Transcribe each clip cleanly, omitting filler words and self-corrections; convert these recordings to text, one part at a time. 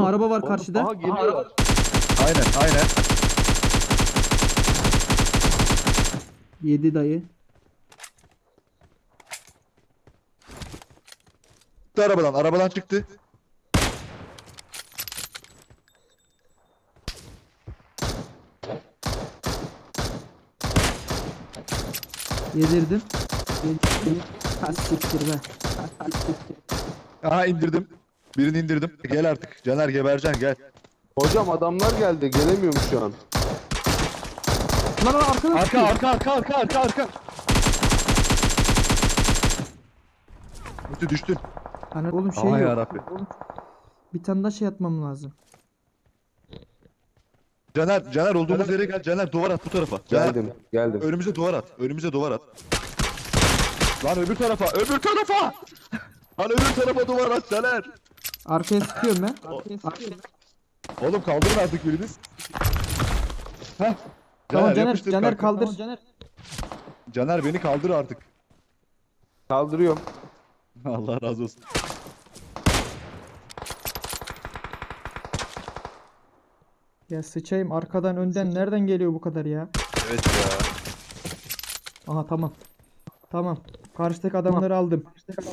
Aha araba var karşıda. Aha geliyor. Aynen aynen. Yedi dayı. Çıktı arabadan çıktı. Yedirdim. Ha siktir be. Aha indirdim. Birini indirdim. Gel artık. Caner gebereceksin gel. Hocam adamlar geldi. Gelemiyorum şu an. Lan arkada Arka. Düştün. Hani oğlum şey Aman yok. yarabbi. Bir tane daha şey atmam lazım. Caner olduğumuz yere gel. Caner duvar at bu tarafa. Caner, Geldim. önümüze duvar at. Lan öbür tarafa. Lan öbür tarafa duvar at Caner. Arkaya sıkıyorum ben. Oğlum kaldırın artık biriniz. Heh. Tamam Caner, yapıştır Caner kanka. kaldır. Caner beni kaldır artık. Kaldırıyorum. Allah razı olsun. Ya sıçayım arkadan önden nereden geliyor bu kadar ya? Evet ya. Aha tamam. Tamam. Karşıdaki adamları aldım.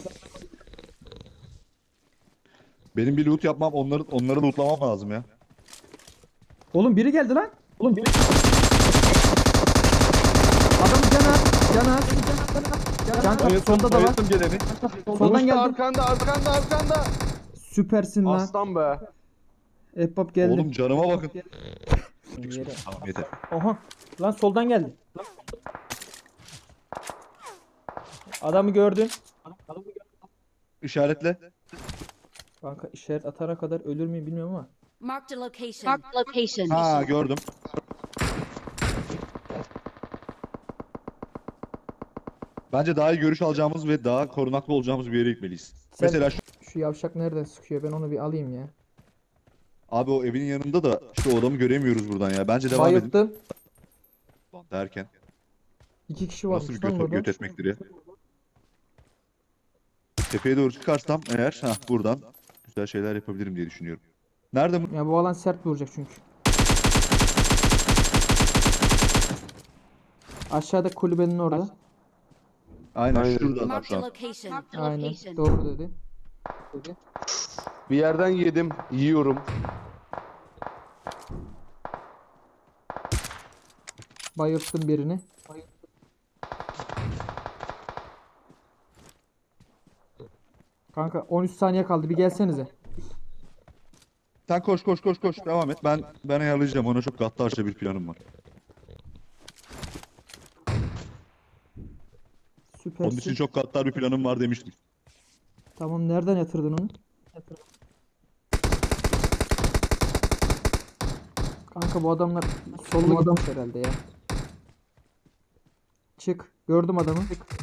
Benim bir loot yapmam, onları lootlamam lazım ya. Oğlum biri geldi lan. Adam Caner. Can sonda da var. Bayılttım geleni. Soldan geldi. Arkanda. Süpersin lan. Aslan be. Ebbab geldi. Oğlum canıma bakın. Yere. Tamam yeter. Oha. Lan soldan geldi. Adamı gördün. İşaretle. Kanka işaret atana kadar ölür müyüm bilmiyorum ama. Marked a location. Ha gördüm. Bence daha iyi görüş alacağımız ve daha korunaklı olacağımız bir yere gitmeliyiz. Mesela Şu yavşak nereden sıkıyor? Ben onu bir alayım ya. abi o evin yanında da işte o adamı göremiyoruz buradan ya. Bence devam edin. Bayılttım. Derken. 2 kişi varmış Nasıl bir lan burada. göt etmektir ya. Tepeye doğru çıkarsam eğer buradan güzel şeyler yapabilirim diye düşünüyorum. Nerede bu? Ya bu alan sert vuracak çünkü. Aşağıda kulübenin orada. Aynen şurada adam Marked şu a an. location. Aynen. Doğru dedi. Bir yerden yedim. Yiyorum. Bayılttım birini. Kanka 13 saniye kaldı. Bir gelsenize. Sen koş devam et. Ben ayarlayacağım. Ona çok gaddarca bir planım var. Onun için Süpersin. çok gaddar bir planım var demiştim. Tamam nereden yatırdın onu? Kanka bu adamlar sollu gitmiş herhalde ya. Çık. Gördüm adamı.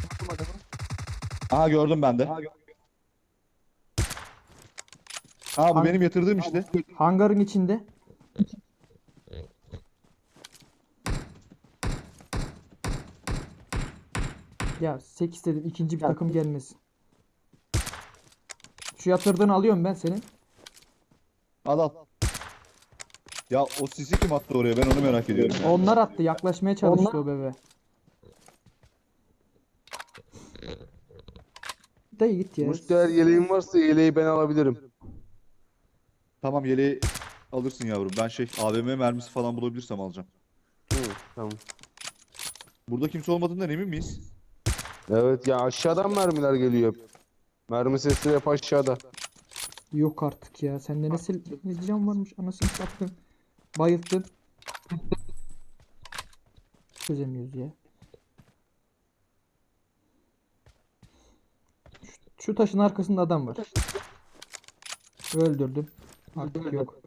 Aha gördüm ben de. Bu benim yatırdığım işte. Hangarın içinde. Ya 8 dedim ikinci bir takım gelmesin. Şu yatırdığını alıyorum ben senin. Al. Ya o sisi kim attı oraya? Ben onu merak ediyorum. ya. Onlar attı. Yaklaşmaya çalıştı o bebe. Dayı git ya. Müşteri yeleğin varsa yeleği ben alabilirim. Tamam yeleği alırsın yavrum. Ben AVM mermisi falan bulabilirsem alacağım. Tamam. Burada kimse olmadığından emin miyiz? Evet ya aşağıdan mermiler geliyor hep. Mermi sesleri hep aşağıda. Yok artık ya. Sende ne can varmış anasını sattın. Bayılttın. Çözemiyoruz ya. Şu taşın arkasında adam var. Öldürdüm. Artık yok.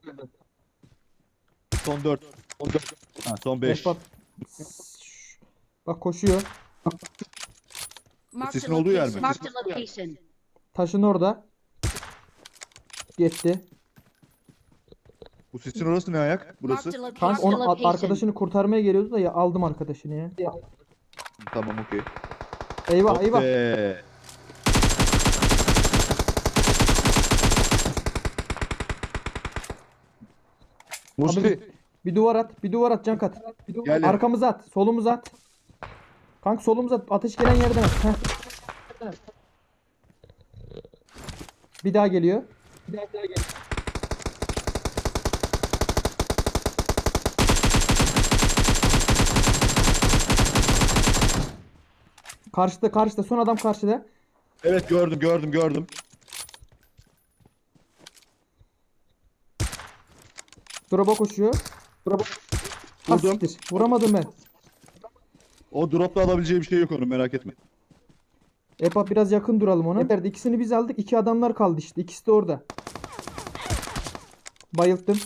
Son 4. Son 5. Ebbab. Bak koşuyor. Marked Sesin a olduğu yer mi? location. Taşın orada. Gitti. Bu sisin orası ne ayak? Burası. Marked a Kanka location. onu arkadaşını kurtarmaya geliyordu da ya aldım arkadaşını ya. Tamam okey. Eyvah eyvah. Okey. Musti. Bir duvar at. Bir duvar at Cankat. Gel. Arkamıza at. Solumuza at. Kanka solumuza at. Ateş gelen yerden at. Heh. Bir daha geliyor. Karşıda. Son adam karşıda. Evet gördüm. Drop'a koşuyor. Ha, Vurdum. siktir. Vuramadım ben. O dropta alabileceği bir şey yok onun, merak etme. Epa biraz yakın duralım ona. Nerede? İkisini biz aldık. 2 adamlar kaldı işte. İkisi de orada. Bayılttım.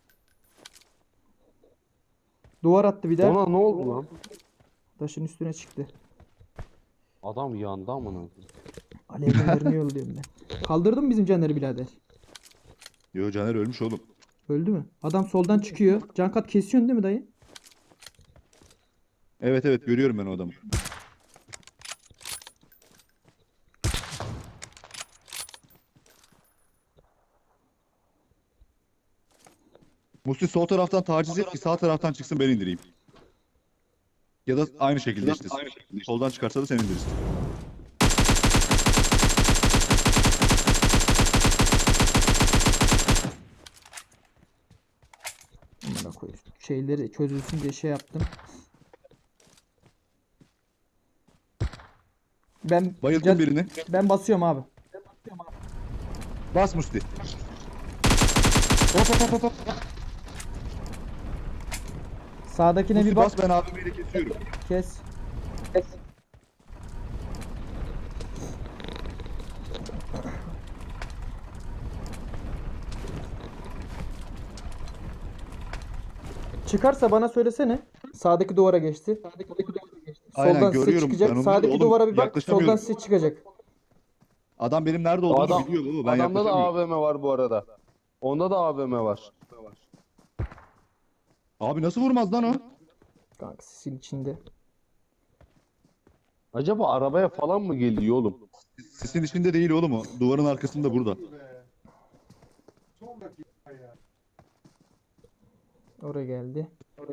Duvar attı bir daha. Ona ne oldu lan? Taşın üstüne çıktı. Adam yandı amına. Alevlerini yolluyorum ben. Kaldırdın mı bizim Caner'i birader? Yo, Caner ölmüş oğlum. Öldü mü? Adam soldan çıkıyor. Cankat kesiyorsun değil mi dayı? Evet görüyorum ben o adamı. Musti sol taraftan taciz et ki sağ taraftan çıksın, ben indireyim. Ya da aynı şekilde işte. Soldan çıkarsa da sen indirirsin. Amına koyayım. Şeyleri çözülsün diye şey yaptım. Bayıldım birini. Ben basıyorum abi. Bas Musti. Hop. Sağdakine Musti bir bak. bas, ben abimiyle kesiyorum. Kes. Çıkarsa bana söylesene. Sağdaki duvara geçti. Aynen, Soldan size görüyorum çıkacak. ben onu. Sağdaki Oğlum, duvara bir bak. yaklaşamıyorum. Soldan size çıkacak. Adam benim nerede olduğumu Adam, biliyor baba, ben adamda da yaklaşamıyorum. AVM var bu arada. Onda da AVM var. Abi nasıl vurmaz lan o? Kanka sisin içinde. Acaba arabaya falan mı geliyor oğlum? Sisin içinde değil oğlum o. Duvarın arkasında burada. Oraya geldi.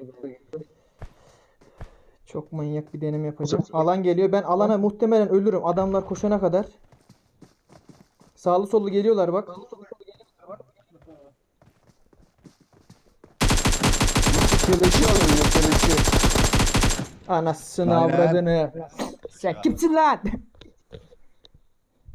Çok manyak bir deneme yapacağım. Alan geliyor. Ben alana muhtemelen ölürüm. Adamlar koşana kadar. Sağlı sollu geliyorlar bak. Keleşi alıyor keleşi. Anasını Aynen. avradını. Sen kimsin lan?